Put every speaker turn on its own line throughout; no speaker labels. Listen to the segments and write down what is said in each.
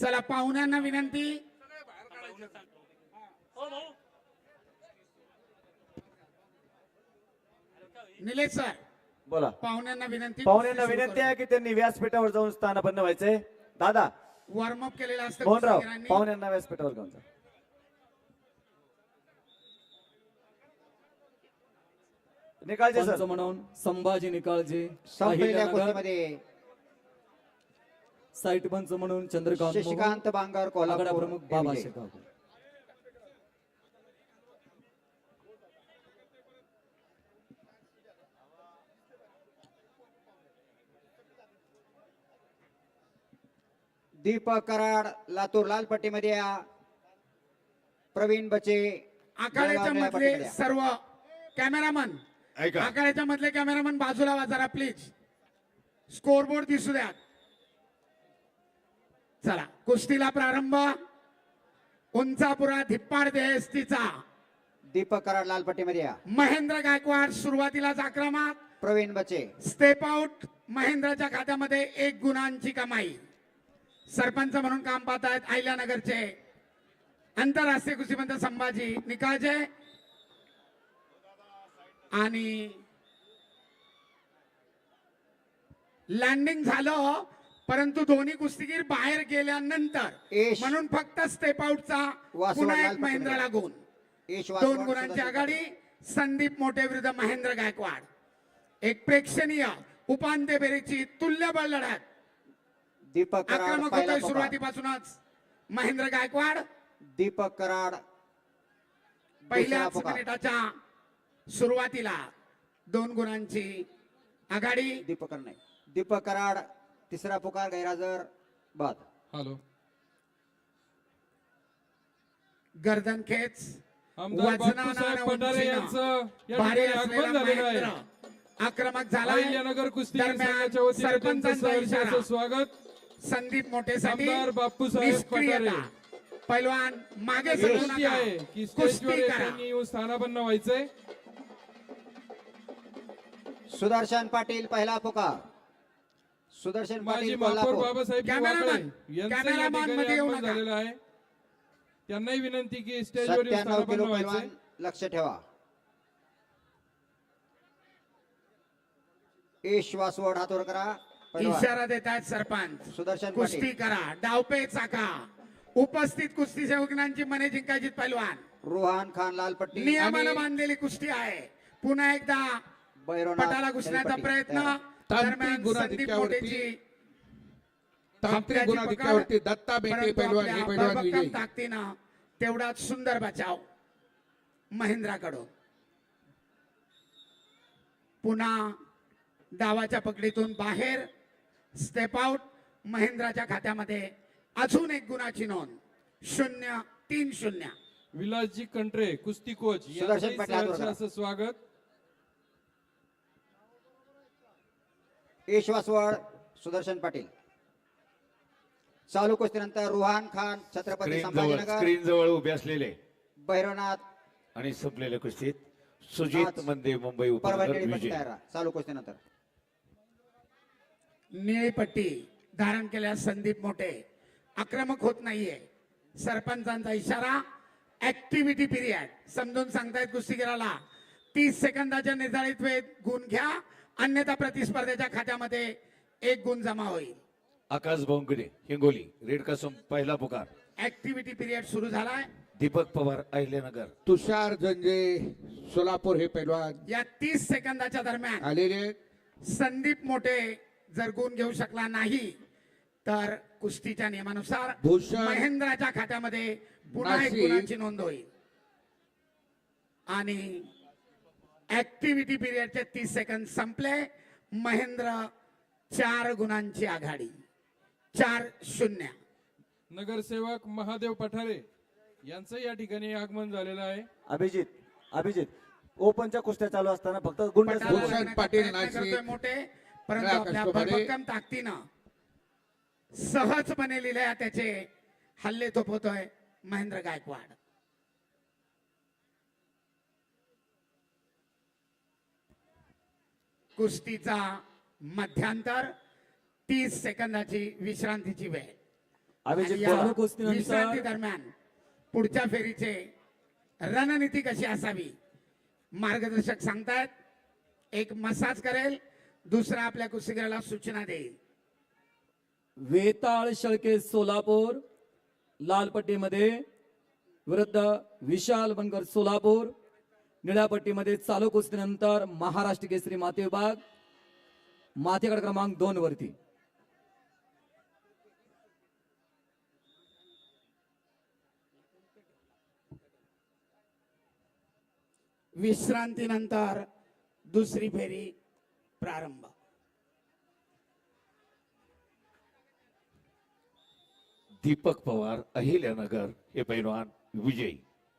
चला पाहुण्यांना विनंती, निलेश सर
बोला.
पाहुण्यांना विनंती,
पाहुण्यांना विनंती आहे की त्यांनी व्यासपीठावर जाऊन स्थानापन्न व्हायचंय. दादा
वॉर्मअप केलेला असतं
मोहनराव,
कुस्तीगीरांनी.
पाहुण्यांना व्यासपीठावर घेऊन जा. निकालचे सर.
पंच म्हणून संभाजी निकाळजे,
संपलेल्या
अहिल्यानगर.
कुस्तीमध्ये
साईट पंच म्हणून चंद्रकांत मोहोळ,
शशिकांत बांगर
आखाडा
कोल्हापूर
प्रमुख बाबा
विजय.
शेकावकर.
दीपक कराड लातूर लाल पट्टीमध्ये या. प्रवीण बचे
आखाड्याच्या
जळगाव निळ्या
मधले
पट्टीमध्ये या.
सर्व कॅमेरामन,
ऐका
आखाड्याच्या मधले कॅमेरामन बाजूला वा जरा प्लीज. स्कोरबोर्ड दिसू द्या. चला कुस्तीला प्रारंभ. उंचापुरा धिप्पाड देहस्तीचा
दीपक कराड लाल पट्टीमध्ये या.
महेंद्र गायकवाड सुरुवातीलाच आक्रमक.
प्रवीण बचे
स्टेप आउट. महेंद्रच्या खात्यामध्ये 1 गुणांची कमाई. सरपंच म्हणून काम पाहत आहेत अहिल्यानगरचे आंतरराष्ट्रीय कुस्तीपंत संभाजी निकाळजे. आणि लँडिंग झालं परंतु दोन्ही कुस्तीगीर बाहेर गेल्यानंतर
एश.
म्हणून फक्त स्टेप आउटचा
वासुदेव
पुन्हा
लाल
एक महेंद्रला गुण.
यश
2
वासवाड
गुणांची
सुदर्शन
आघाडी. संदीप मोठे विरुद्ध महेंद्र गायकवाड. एक प्रेक्षणीय उपांत्य फेरीची तुल्यबळ लढत.
दीपक कराड
आक्रमक
पहिला
होतोय
पुकार.
सुरुवातीपासूनच महेंद्र गायकवाड.
दीपक कराड
पहिल्या
दुसरा पुकार.
मिनिटाच्या सुरुवातीला 2 गुणांची आघाडी.
दीपक कराड तिसरा पुकार गैरहजर बाद.
हॅलो,
गर्दन खेच.
आमदार बापूसाहेब पठारे यांचं या ठिकाणी आगमन झालेलं आहे.
आक्रमक झाला.
अहिल्यानगर कुस्ती
दरम्यान
संघाच्या वतीने त्यांचं
सरपंचांचा
सहर्ष
इशारा.
असं स्वागत.
संदीप मोठेसाठी
आमदार बापूसाहेब पठारे.
पैलवान मागे
विनंती
सरकू
आहे
नका.
की स्टेजवर
कुस्ती करा.
त्यांनी येऊन स्थानापन्न व्हायचंय.
सुदर्शन पाटील पहिला पुकार. सुदर्शन
माजी
पाटील
महापौर
कोल्हापूर.
बाबासाहेब
कॅमेरामॅन,
वाकळे यांचं या
कॅमेरामॅन
ठिकाणी
मध्ये येऊ
आगमन
नका.
झालेलं आहे. त्यांनाही विनंती की स्टेजवर येऊन
97
स्थानापन्न
किलो
व्हायचंय.
पैलवान लक्ष ठेवा. यश वासवड हातवर करा. पैलवान.
इशारा देत आहेत सरपंच.
सुदर्शन
कुस्ती
पाटील.
करा. डावपे चाका. उपस्थित कुस्ती सेवकांची मने जिंकायची पैलवान.
रोहान खान लाल पट्टी.
नियमानं बांधलेली कुस्ती आहे. पुन्हा एकदा
बैरवनाथ
पटाला घुसण्याचा
निळपट्टी.
प्रयत्न.
तयार.
दरम्यान संदीप मोठेची
तांत्रिक गुणाधिक्यावरती दत्ता बेटे पैलवान हे पैलवान विजयी.
ताकदीनं तेवढाच सुंदर बचाव महेंद्राकडून. पुन्हा डावाच्या पकडीतून बाहेर. Step out. महेंद्राच्या खात्यामध्ये अजून 1 गुणाची नोंद. 0-3-0.
विलासजी कंट्रे कुस्ती कोच
सुदर्शन
यांचंही
पाटील हातवर
सहर्ष
करा.
असं स्वागत.
यश वासवड सुदर्शन पाटील. चालू कुस्तीनंतर रुहान खान छत्रपती संभाजीनगर.
स्क्रीन जवळ उभे असलेले
भैरवनाथ
आणि संपलेल्या कुस्तीत सुजित मंदे मुंबई उपनगर
परभणी पट्टी
विजय.
तयार राहा. चालू कुस्तीनंतर
निळी पट्टी धारण केल्यास संदीप मोठे आक्रमक होत नाहीये. सरपंचांचा इशारा. ऍक्टिव्हिटी पिरियड समजून सांगतायत कुस्तीगीराला. 30 सेकंदाच्या निर्धारित वेळेत गुण घ्या, अन्यथा प्रतिस्पर्धेच्या खात्यामध्ये 1 गुण जमा होईल.
आकाश बोंकडे हिंगोली रेड कासम पहिला पुकार.
ऍक्टिव्हिटी पिरियड सुरू झालाय.
दीपक पवार अहिल्यानगर.
तुषार जंजे सोलापूर हे पैलवान
या 30 सेकंदाच्या दरम्यान
आलेले.
संदीप मोठे जर गुण घेऊ शकला नाही तर कुस्तीच्या नियमानुसार
भूषण
महेंद्राच्या खात्यामध्ये पुन्हा 1
नाशिक.
गुणाची नोंद होईल. आणि ऍक्टिव्हिटी पिरियडचे 30 सेकंद संपले. महेंद्र 4 गुणांची आघाडी. 4-0.
नगरसेवक महादेव पठारे यांचं या ठिकाणी आगमन झालेलं आहे.
अभिजित ओपनच्या कुस्त्या चालू असताना फक्त गुंड
पटाला
भूषण
लागण्याचा
पाटील
प्रयत्न
नाशिक.
करतोय मोठे, परंतु
नळा
आपल्या
कष्टपणे.
भरभक्कम ताकदीनं सहजपणे लिहिल्या त्याचे हल्ले थोपवतोय महेंद्र गायकवाड. कुस्तीचा मध्यांतर 30 सेकंदाची विश्रांतीची वेळ.
अभिजित
आणि
बोला.
या
कुस्तीनंतर-
विश्रांती दरम्यान पुढच्या फेरीचे रणनीती कशी असावी मार्गदर्शक सांगतायत. एक मसाज करेल, दुसरा आपल्या कुस्तीगीराला सूचना देईल.
वेताळ शेळके सोलापूर लाल पट्टीमध्ये विरुद्ध विशाल बनकर सोलापूर निळ्या पट्टीमध्ये चालू कुस्तीनंतर महाराष्ट्र केसरी माती विभाग माती गट क्रमांक 2 वरती.
विश्रांतीनंतर दुसरी फेरी प्रारंभ.
दीपक पवार अहिल्यानगर हे पैलवान विजयी.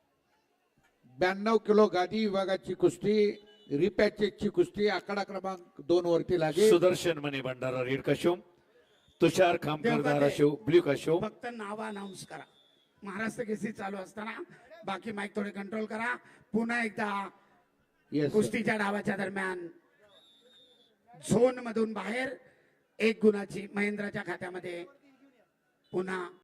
92 किलो गादी विभागाची कुस्ती रिपॅचेसची कुस्ती आकडा क्रमांक 2 वरती लागेल.
Sudarshan Mane Bhandara red costume, Tushar Khamkar
Devgate.
Dharashiv blue costume.
फक्त नाव अनाऊन्स करा. महाराष्ट्र केसरी चालू असताना बाकी माईक थोडे कंट्रोल करा. पुन्हा एकदा
Yes, sir.
कुस्तीच्या डावाच्या दरम्यान झोन मधून बाहेर 1 गुणाची महेंद्राच्या खात्यामध्ये पुन्हा